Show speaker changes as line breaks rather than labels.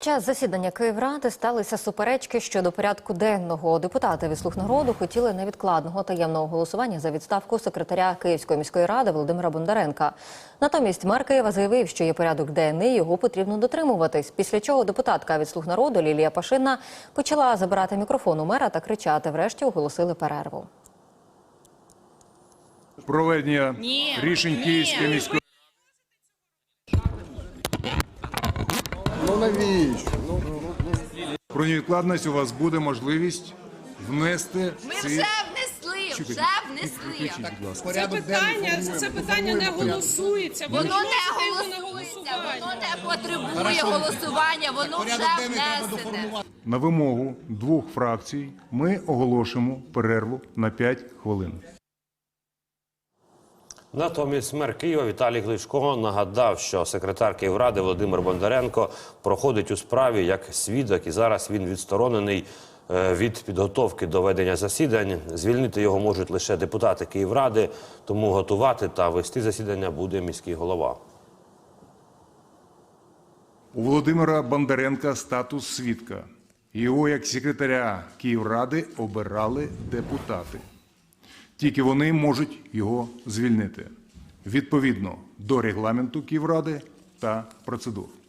Час засідання Київради сталися суперечки щодо порядку денного. Депутати від «Слуг народу» хотіли невідкладного таємного голосування за відставку секретаря Київської міської ради Володимира Бондаренка. Натомість мер Києва заявив, що є порядок денний, його потрібно дотримуватись. Після чого депутатка від «Слуг народу» Лілія Пашина почала забирати мікрофон у мера та кричати. Врешті оголосили перерву.
Проведення рішень Київської міської
навіщо?
про невідкладність у вас буде можливість внести
Ми вже внесли.
Це питання не голосується.
Воно не потребує голосування, воно вже внесене.
на вимогу двох фракцій ми оголошуємо перерву на 5 хвилин.
Натомість мер Києва Віталій Кличко нагадав, що секретар Київради Володимир Бондаренко проходить у справі як свідок, і зараз він відсторонений від підготовки до ведення засідань. Звільнити його можуть лише депутати Київради, тому готувати та вести засідання буде міський голова.
У Володимира Бондаренка статус свідка. Його як секретаря Київради обирали депутати. Тільки вони можуть його звільнити відповідно до регламенту Київради та процедур.